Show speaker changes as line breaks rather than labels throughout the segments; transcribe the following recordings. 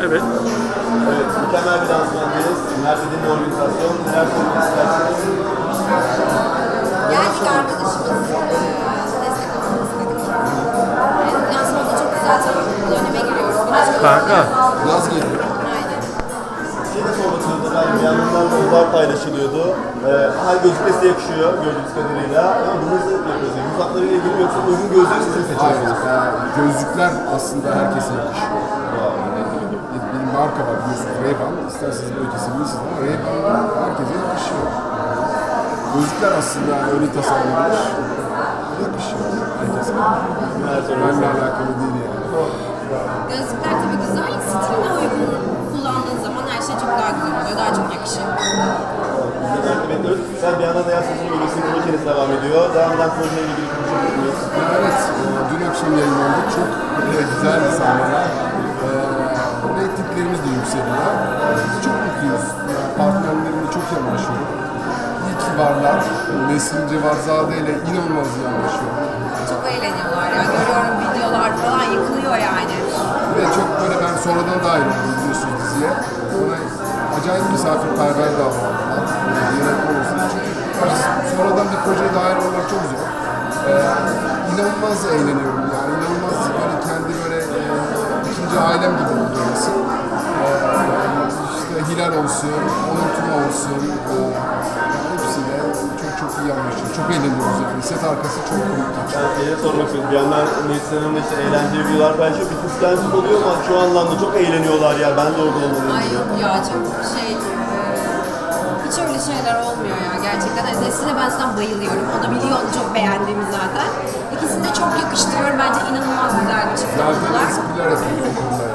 Evet.
Evet, mükemmel bir dansmandayız. Mert'in organizasyon. Neler söylemek istersiniz?
Geldik arkadaşımız destek olmak istedik. Lansmanda çok güzel tabii. Döneme giriyoruz. Güneş
Kanka.
Yaz geliyor.
Aynen.
Şey de sormak istiyorum. Ben bir yandan da uzak paylaşılıyordu. Her gözlük size yakışıyor gördüğünüz kadarıyla. Ama bunu nasıl yapıyorsunuz? Uzaklarıyla ilgili mi yoksa uygun gözlüğü siz mi seçiyorsunuz?
Gözlükler aslında herkese yakışıyor. Bir marka var biliyorsunuz, Ray-Ban. İsterseniz böyle kesebilirsiniz ama Ray-Ban herkese yakışıyor. Gözlükler aslında öyle tasarlanmış. Yakışıyor herkese. Benimle alakalı değil yani.
Gözlükler tabii güzel. Stiline uygun kullandığın zaman her şey çok daha güzel oluyor. Daha çok yakışıyor.
Bekliyoruz. Sen bir yandan da yaz sezonu bölgesinin projeniz devam ediyor. Devam eden projeyle ilgili konuşabilir miyiz?
Evet, dün akşam yayınlandı. Çok güzel bir sahneler. Reytinglerimiz de yükseliyor. Çok mutluyuz. Partnerlerimle çok iyi anlaşıyorum. İyi ki varlar. Nesrin Cevarzade ile inanılmaz iyi anlaşıyorum.
Çok eğleniyorlar ya. Görüyorum videolar falan yıkılıyor yani.
Ve çok böyle ben sonradan dahil oldum biliyorsunuz diziye. Bana acayip misafirperver davrandılar. Yönetmen olsun. Çünkü sonradan bir projeye dahil olmak çok zor. İnanılmaz eğleniyorum yani. İnanılmaz böyle kendi böyle ikinci ailem gibi oldu orası. İşte Hilal olsun, Onur Tuna olsun. Hepsiyle çok iyi anlaşıyoruz. Çok eğleniyoruz yani. Set arkası çok komik.
Ben size sormak istiyorum. Bir yandan Nesrin Hanım'la işte eğlenceli videolar paylaşıyor. Bir kıskançlık oluyor ama şu anlamda çok eğleniyorlar ya. Ben de orada olmalıyım
Ay
diye.
yok ya çok hiç öyle şeyler olmuyor ya gerçekten. Nesrin'e ben zaten bayılıyorum. O da biliyor onu çok beğendiğimi zaten. İkisini de çok yakıştırıyorum. Bence inanılmaz güzel bir çift
Zaten
oldular.
espriler yapıyor o konuda.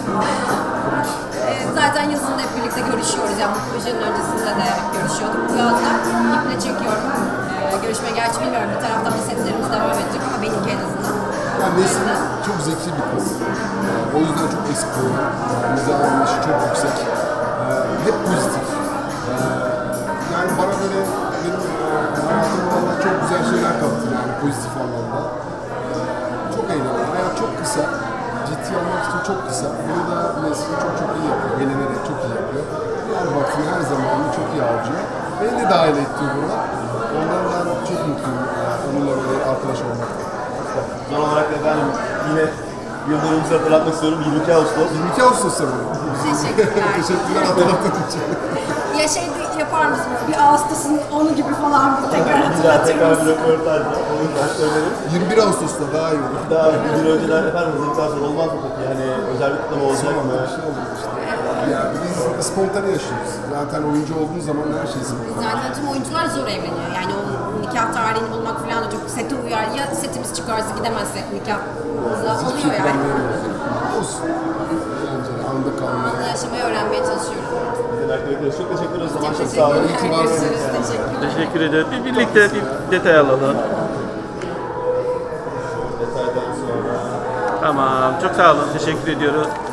Zaten yazın da hep birlikte görüşüyoruz. Yani bu projenin öncesinde de hep görüşüyorduk. Bu yaz da iple çekiyorum. Görüşmeye gerçi bilmiyorum. Bir taraftan da setlerimiz devam edecek ama benimki en azından.
Yani Nesrin çok zeki bir kız. O yüzden çok espri. Mizah anlayışı çok yüksek. Hep pozitif. Yani bana böyle benim hayatım valla çok güzel şeyler kattı yani pozitif anlamda. Çok eğlenceli. Hayat çok kısa. Ciddi olmak için çok kısa. Bunu da Nesrin çok iyi yapıyor. Eğlenerek çok iyi yapıyor. Her vaktini her zamanını çok iyi harcıyor. Beni de dahil etti buna. Ondan ben çok mutluyum. Onunla böyle arkadaş olmaktan.
Son olarak da efendim yine yıldönümümüzü hatırlatmak istiyorum. 22 Ağustos.
22 Ağustos'ta mı?
Teşekkürler.
Teşekkürler hatırlattığın için.
Ya şey de yapar mısın? Bir Ağustos'un 10'u gibi falan bir tekrar
Bir daha
hatırlatır
tekrar bir
mısın?
röportajla. Onu ben söylerim.
21 Ağustos'ta daha iyi olur.
Daha bir gün önceden efendim hazırlıktan sonra olmaz mı peki? Yani özel bir kutlama olacak mı?
Bir şey olur işte. Yani biz spontane yaşıyoruz. Zaten oyuncu olduğun zaman her şey spontane.
Zaten tüm oyuncular zor evleniyor. Yani o nikah tarihini bulmak falan da çok sete uyar. Ya setimiz çıkarsa gidemezsek nikahımıza oluyor yani.
Olsun. Eğlenceli, anda kalmaya.
Anla yaşamayı öğrenmeye çalışıyorum.
Çok teşekkür ederiz. O zaman
Çok
çok sağ olun.
teşekkürler. Görüşürüz. Teşekkürler.
Teşekkür ederim. Birlikte bir detay alalım.
Detaydan sonra.
Tamam. Çok sağ olun. Teşekkür ediyoruz.